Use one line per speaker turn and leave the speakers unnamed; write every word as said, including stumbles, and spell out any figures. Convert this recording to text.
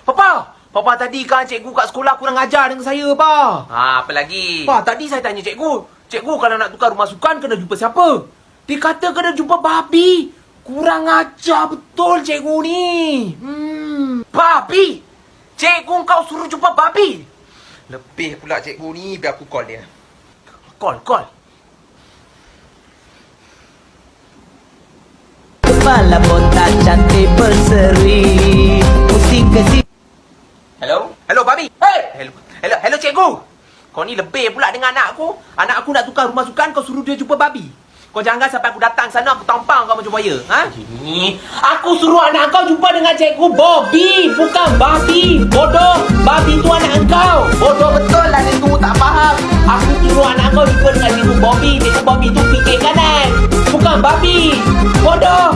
Papa, Papa tadi kan cikgu kat sekolah kurang ajar dengan saya, Pa.
Ha, apa lagi?
Pa, tadi saya tanya cikgu. Cikgu kalau nak tukar rumah sukan kena jumpa siapa? Dia kata kena jumpa babi. Kurang ajar betul cikgu ni. Hmm. Babi? Cikgu kau suruh jumpa babi?
Lebih pula cikgu ni, biar aku call dia.
Call, call.
Kepala botak cantik berseri, pusing ke sini.
Hello?
Hello, babi. Hey! Hello, hello, hello cikgu. Kau ni lebih pula dengan anak aku. Anak aku nak tukar rumah sukan, kau suruh dia jumpa babi. Kau jangan sampai aku datang sana, aku tampang kau macam buaya. Ha? Ini, aku suruh anak kau jumpa dengan cikgu Bobby, bukan babi. Bodoh, babi tu anak engkau. Bodoh betul lah dia tu, tak faham. Aku suruh anak kau jumpa dengan cikgu Bobby. Cikgu Bobby tu fikir kanan, bukan babi. Bodoh.